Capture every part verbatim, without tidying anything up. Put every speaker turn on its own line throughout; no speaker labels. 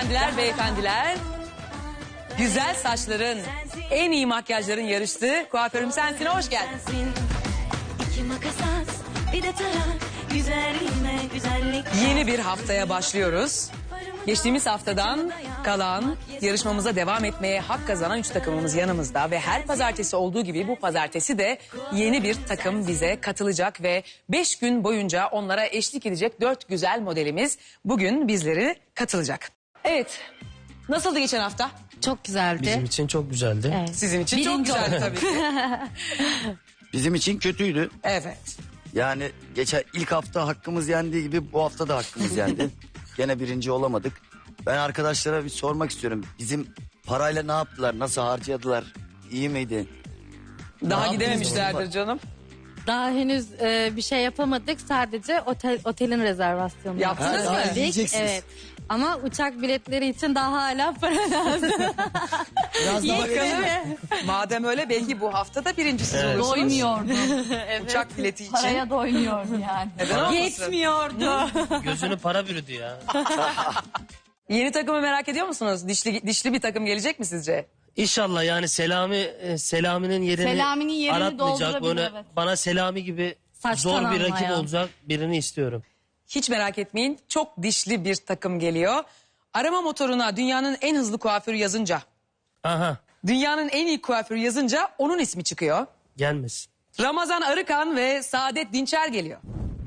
hanımefendiler, beyefendiler. Güzel saçların, en iyi makyajların yarıştığı Kuaförüm Sensin'e hoş geldin.
İki makas at, bir de tarak, güzelliğime güzellik.
Yeni bir haftaya başlıyoruz. Geçtiğimiz haftadan kalan yarışmamıza devam etmeye hak kazanan üç takımımız yanımızda. Ve her pazartesi olduğu gibi bu pazartesi de yeni bir takım bize katılacak. Ve beş gün boyunca onlara eşlik edecek dört güzel modelimiz bugün bizleri katılacak. Evet, nasıldı geçen hafta?
Çok güzeldi.
Bizim için çok güzeldi.
Evet.
Sizin için çok
Birinci
güzeldi
oldu.
tabii ki.
Bizim için kötüydü.
Evet.
Yani geçen ilk hafta hakkımız yendiği gibi bu hafta da hakkımız yendi. Gene birinci olamadık. Ben arkadaşlara bir sormak istiyorum. Bizim parayla ne yaptılar? Nasıl harcadılar? İyi miydi?
Daha
Ne
gidememişlerdir
yaptınız?
canım.
Daha henüz e, bir şey yapamadık. Sadece otel otelin rezervasyonunu
Yaptınız
yaptık.
mı?
Geldik.
Gideceksiniz.
Evet. Ama uçak biletleri için daha hala para lazım.
Biraz daha
Yetmedi.
Madem öyle belki bu hafta da birincisiz olursunuz.
Doymuyordu.
Uçak bileti için.
Paraya doymuyordu yani.
Neden olmasın?
Yetmiyordu.
gözünü para bürüdü ya.
Yeni takımı merak ediyor musunuz? Dişli dişli bir takım gelecek mi sizce?
İnşallah yani Selami e, Selami'nin yerini
Selami'nin yerini
aratmayacak.
doldurabilir,
Böyle
evet.
bana Selami gibi
Saçtan
zor bir rakip
anlayan.
olacak birini istiyorum.
Hiç merak etmeyin. Çok dişli bir takım geliyor. Arama motoruna dünyanın en hızlı kuaförü yazınca,
Aha
dünyanın en iyi kuaförü yazınca onun ismi çıkıyor.
gelmesin.
Ramazan Arıkan ve Saadet Dinçer geliyor.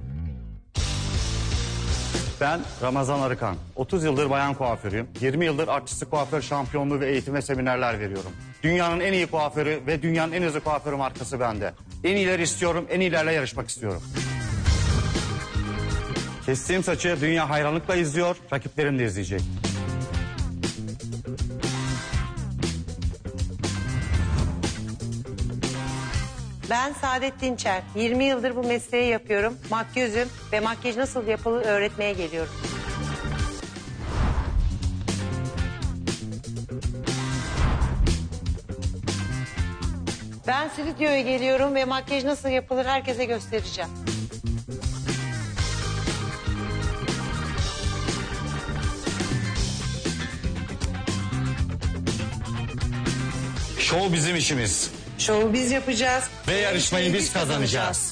Ben Ramazan Arıkan. otuz yıldır bayan kuaförüyüm. yirmi yıldır artistlik kuaför şampiyonluğu ve eğitim ve seminerler veriyorum. Dünyanın en iyi kuaförü ve dünyanın en hızlı kuaförü markası bende. En iyileri istiyorum, en iyilerle yarışmak istiyorum. Kestiğim saçı dünya hayranlıkla izliyor, rakiplerim de izleyecek.
Ben Saadet Dinçer. yirmi yıldır bu mesleği yapıyorum. Makyözüm ve makyaj nasıl yapılır öğretmeye geliyorum. Ben stüdyoya geliyorum ve makyaj nasıl yapılır herkese göstereceğim.
Şov bizim işimiz.
Şovu biz yapacağız.
Ve yarışmayı biz kazanacağız.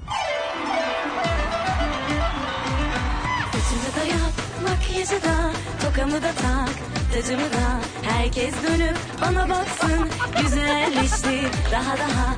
Saçımı da yap, makyajı da, tokamı da tak, tacımı da. Herkes dönüp bana baksın, güzelleşti daha daha.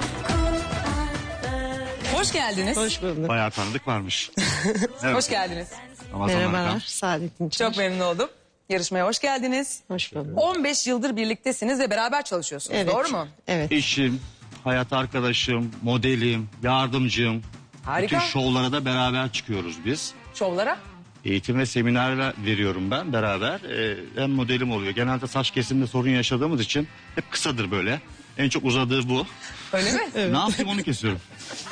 Kuaför.
Hoş geldiniz. Hoş,
Bayağı tanıdık varmış.
geldiniz.
Merhabalar.
Saadet'in
Çok memnun oldum. Yarışmaya hoş geldiniz.
Hoş bulduk.
on beş yıldır birliktesiniz ve beraber çalışıyorsunuz. Doğru mu?
Evet.
Eşim, hayat arkadaşım, modelim, yardımcım.
Harika.
Bütün şovlara da beraber çıkıyoruz biz.
Şovlara.
Eğitim ve seminerler veriyorum ben beraber. Ee, hem modelim oluyor. Genelde saç kesiminde sorun yaşadığımız için hep kısadır böyle. En çok uzadığı bu.
Öyle mi?
Ne yapayım onu kesiyorum.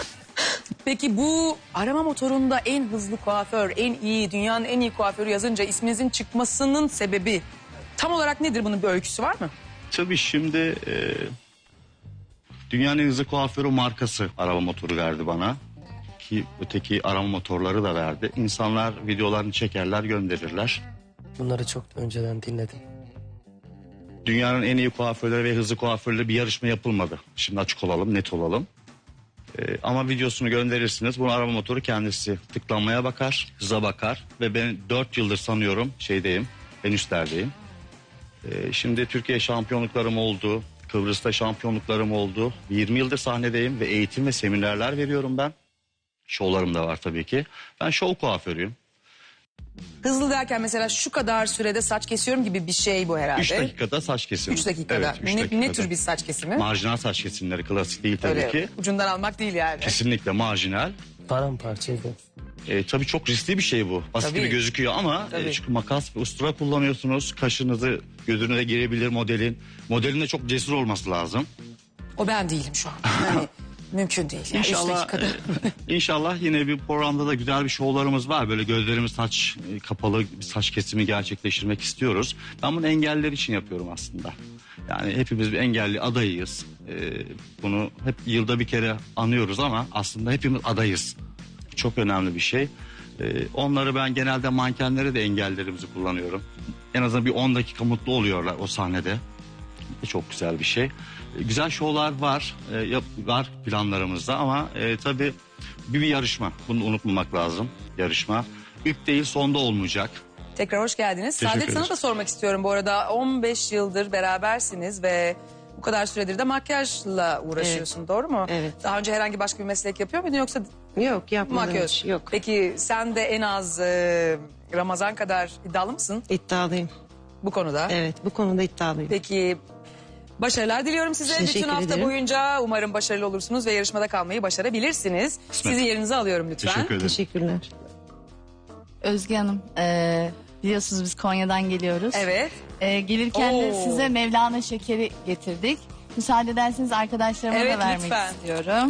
Peki bu arama motorunda en hızlı kuaför, en iyi, dünyanın en iyi kuaförü yazınca isminizin çıkmasının sebebi tam olarak nedir? Bunun bir öyküsü var mı?
Tabii şimdi e, dünyanın en hızlı kuaförü markası araba motoru verdi bana. Ki öteki arama motorları da verdi. İnsanlar videolarını çekerler, gönderirler.
Bunları çok önceden dinledim.
Dünyanın en iyi kuaförleri ve hızlı kuaförleri bir yarışma yapılmadı. Şimdi açık olalım, net olalım. Ee, ama videosunu gönderirsiniz. Bunu arama motoru kendisi tıklanmaya bakar, hıza bakar. Ve ben dört yıldır sanıyorum şeydeyim, en üstlerdeyim. Ee, şimdi Türkiye şampiyonluklarım oldu, Kıbrıs'ta şampiyonluklarım oldu. yirmi yıldır sahnedeyim ve eğitim ve seminerler veriyorum ben. Şovlarım da var tabii ki. Ben şov kuaförüyüm.
Hızlı derken mesela şu kadar sürede saç kesiyorum gibi bir şey bu herhalde.
üç dakikada saç kesimi.
Üç dakikada.
Evet, üç
ne,
dakikada.
ne tür bir saç kesimi?
Marjinal saç kesimleri, klasik değil tabii
Öyle
ki.
ucundan almak değil yani.
Kesinlikle marjinal.
Paramparçaydı.
E, tabii çok riskli bir şey bu. Basit
Tabii.
gibi gözüküyor ama
Tabii.
e, çünkü makas ve ustura kullanıyorsunuz. Kaşınızı gözünüze girebilir modelin. Modelin de çok cesur olması lazım.
O ben değilim şu an. Yani mümkün değil. Yani üç
İnşallah
dakikada.
e, inşallah yine bir programda da güzel bir şovlarımız var. Böyle gözlerimiz saç e, kapalı bir saç kesimi gerçekleştirmek istiyoruz. Ben bunu engelliler için yapıyorum aslında. Yani hepimiz bir engelli adayıyız. E, bunu hep yılda bir kere anıyoruz ama aslında hepimiz adayız. Çok önemli bir şey. Ee, onları ben genelde mankenlere de engellerimizi kullanıyorum. En azından bir on dakika mutlu oluyorlar o sahnede. Çok güzel bir şey. E, Güzel şovlar var, e, yap- var planlarımızda ama e, tabii bir, bir yarışma. Bunu unutmamak lazım, yarışma. İlk değil sonda olmayacak.
Tekrar hoş geldiniz.
Teşekkür
Saadet sana
ederiz.
da sormak istiyorum bu arada. on beş yıldır berabersiniz ve bu kadar süredir de makyajla uğraşıyorsun, doğru mu?
Evet.
Daha önce herhangi başka bir meslek yapıyor muydun yoksa
Yok yapmadım
makyaj?
hiç. Yok.
Peki sen de en az e, Ramazan kadar iddialı mısın
İddialıyım.
bu konuda?
Evet bu konuda iddialıyım.
Peki başarılar diliyorum size.
Teşekkür
Bütün hafta
ederim.
boyunca umarım başarılı olursunuz ve yarışmada kalmayı başarabilirsiniz.
Kısmet.
Sizi yerinize alıyorum lütfen.
Teşekkür ederim.
Teşekkürler.
Özge Hanım, e, biliyorsunuz biz Konya'dan geliyoruz.
Evet.
E, gelirken de
Oo.
size Mevlana şekeri getirdik. Müsaade ederseniz arkadaşlarıma
Evet,
da vermek
lütfen.
istiyorum.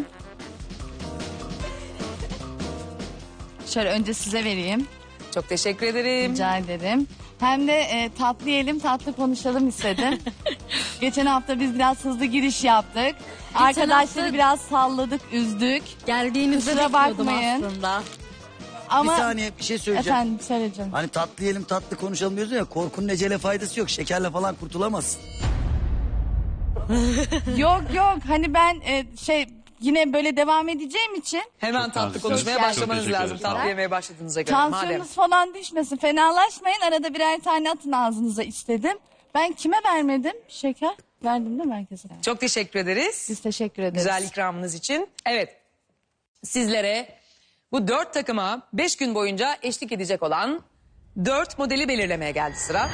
Şöyle önce size vereyim.
Çok teşekkür ederim.
Rica ederim. Hem de e, tatlı yiyelim, tatlı konuşalım istedim. Geçen hafta biz biraz hızlı giriş yaptık. Arkadaşları
hafta-
biraz salladık, üzdük.
Geldiğinizde
Kusura
bekliyordum
bakmayın.
aslında.
Ama
Bir saniye bir şey söyleyeceğim.
efendim söyleyeceğim.
Hani tatlı yiyelim tatlı konuşalım diyorsun ya, korkunun ecele faydası yok. Şekerle falan kurtulamazsın.
Yok yok hani ben e, şey yine böyle devam edeceğim için
Hemen
Çok
tatlı
güzel.
konuşmaya
Çok
başlamanız
teşekkür
lazım.
ederim. Sağ
Tatlı
olun.
yemeye başladığınıza göre. Madem.
tansiyonunuz falan düşmesin. Fenalaşmayın. Arada birer tane atın ağzınıza istedim. Ben kime vermedim? Şeker. Verdim değil mi herkese?
Çok teşekkür ederiz.
Biz teşekkür ederiz.
Güzel ikramınız için. Evet. Sizlere bu dört takıma beş gün boyunca eşlik edecek olan dört modeli belirlemeye geldi sıra.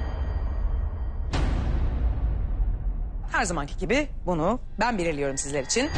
Her zamanki gibi bunu ben belirliyorum sizler için.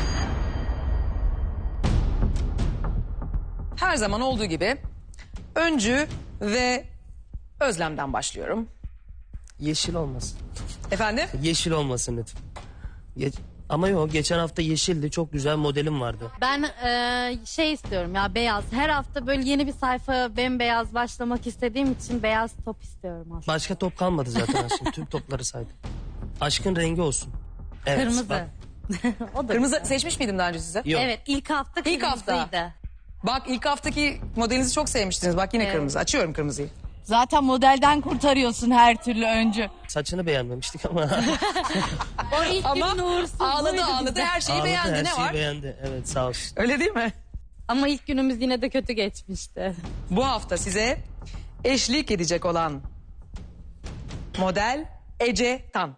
Her zaman olduğu gibi Öncü ve Özlem'den başlıyorum.
Yeşil olmasın.
Efendim?
Yeşil olmasın lütfen. Ge- Ama yok, geçen hafta yeşildi. Çok güzel modelim vardı.
Ben e, şey istiyorum ya, beyaz. Her hafta böyle yeni bir sayfa bembeyaz başlamak istediğim için beyaz top istiyorum aslında.
Başka top kalmadı zaten aslında. Tüm topları saydım. Aşkın rengi olsun. Evet,
Kırmızı.
bak.
O da
Kırmızı
güzel.
seçmiş miydim daha önce size?
Yok.
Evet, ilk hafta
İlk hafta.
kırmızıydı.
Bak ilk haftaki modelinizi çok sevmiştiniz. Bak yine
Evet.
kırmızı. Açıyorum kırmızıyı.
Zaten modelden kurtarıyorsun her türlü öncü.
Saçını beğenmemiştik ama.
O ilk
Ama
günün uğursuzluğuydu
ağladı ağladı
bize.
her şeyi
Ağladı,
beğendi.
her
Ne
şeyi
var?
beğendi. Evet, sağ olsun.
Öyle değil mi?
Ama ilk günümüz yine de kötü geçmişti.
Bu hafta size eşlik edecek olan model Ece Tan.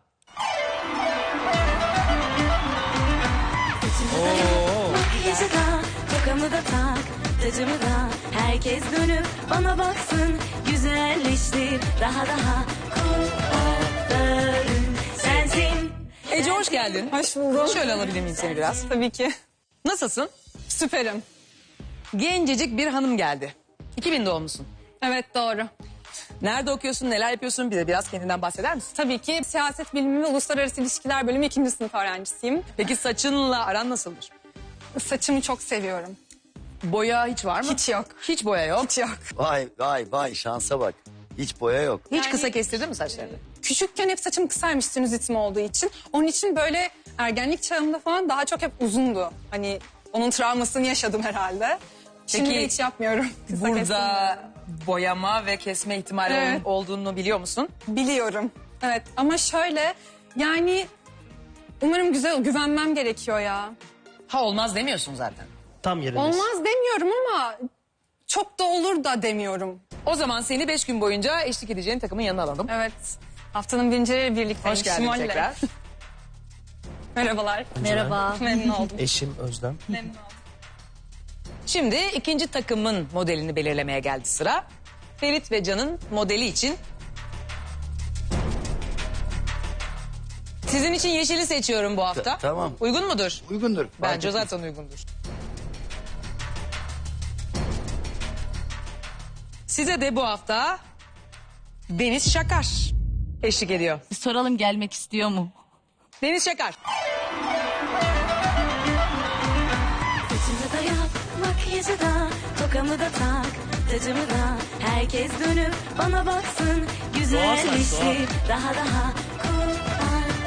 Makyajı da, tokamı da tak, tacımı da. Herkes dönüp bana baksın, güzelleştir daha daha. Kuaförüm sensin.
Ece hoş geldin.
Hoş buldum.
Şöyle alabilir miyim seni biraz?
Tabii ki.
Nasılsın?
Süperim.
Gencecik bir hanım geldi. iki bin doğumlusun.
Evet doğru.
Nerede okuyorsun, neler yapıyorsun? Bize biraz kendinden bahseder misin?
Tabii ki siyaset bilimi ve uluslararası ilişkiler bölümü ikinci sınıf öğrencisiyim.
Peki saçınla aran nasıldır?
Saçımı çok seviyorum.
Boya hiç var mı?
Hiç yok.
Hiç boya yok.
Hiç yok.
Vay vay vay, şansa bak. Hiç boya yok.
Hiç
Yani-
kısa kestirdin mi saçlarını?
Küçükken hep saçım kısaymış sinüzitim olduğu için. Onun için böyle ergenlik çağımda falan daha çok hep uzundu. Hani onun travmasını yaşadım herhalde. Şimdi
Peki,
de hiç yapmıyorum. Kısa
Burada
kestirmiyorum.
boyama ve kesme ihtimali
Evet.
ol- olduğunu biliyor musun?
Biliyorum. Evet ama şöyle yani umarım güzel güvenmem gerekiyor ya.
Ha olmaz demiyorsun zaten.
Tam yerindesin.
Olmaz demiyorum ama çok da olur da demiyorum.
O zaman seni beş gün boyunca eşlik edeceğin takımın yanına alalım.
Evet. Haftanın birincileriyle birlikteyim.
Hoş geldin
Şimalle.
tekrar.
Merhabalar.
Merhaba.
Memnun oldum.
Eşim Özlem.
Memnun oldum.
Şimdi ikinci takımın modelini belirlemeye geldi sıra. Ferit ve Can'ın modeli için. Sizin için yeşili seçiyorum bu hafta.
Ta- tamam.
Uygun mudur?
Uygundur.
Bence
Fark etmez.
zaten uygundur. Size de bu hafta Deniz Şakar eşlik ediyor.
Bir soralım gelmek istiyor mu?
Deniz Şakar.
Saçımı da yap, makyajı da, tokamı da tak, tacımı da. Herkes dönüp bana baksın, güzelleştir daha daha.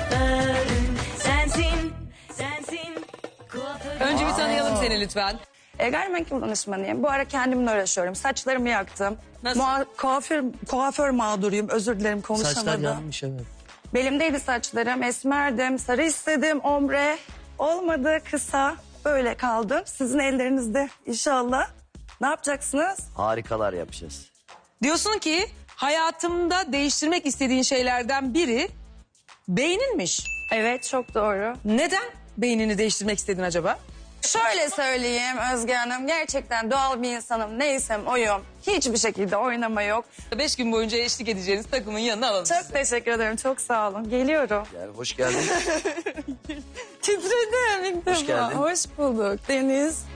Kuaförüm sensin, sensin. Kuaförüm.
Önce bir tanıyalım seni lütfen.
E, gayrimenkul danışmanıyım. Bu ara kendimle uğraşıyorum. Saçlarımı yaktım.
Nasıl?
Mua- kuaför, kuaför mağduruyum. Özür dilerim
Saçlar
konuşamadım.
yanmış evet.
Belimdeydi saçlarım. Esmerdim. Sarı istedim. Ombre. Olmadı. Kısa. Böyle kaldım. Sizin ellerinizde inşallah. Ne yapacaksınız?
Harikalar yapacağız.
Diyorsun ki hayatımda değiştirmek istediğin şeylerden biri beyninmiş.
Evet, çok doğru.
Neden beynini değiştirmek istedin acaba?
Şöyle söyleyeyim Özge Hanım. Gerçekten doğal bir insanım. Neysem oyum. Hiçbir şekilde oynama yok.
Beş gün boyunca eşlik edeceğiniz takımın yanına alalım
Çok
sizi.
teşekkür ederim. Çok sağ olun. Geliyorum.
Gel, hoş geldin.
Titredim ilk
Hoş
defa.
geldin.
Hoş bulduk Deniz.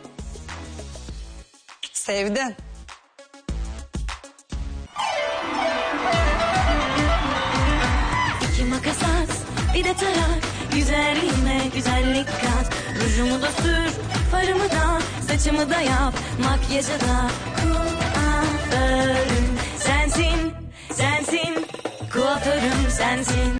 Sevdin.
İki makas at, bir de tarak. Güzelliğime güzellik kat. Rujumu da sür, farımı da, saçımı da yap. Makyajı da kuaförüm sensin, sensin. Kuaförüm sensin.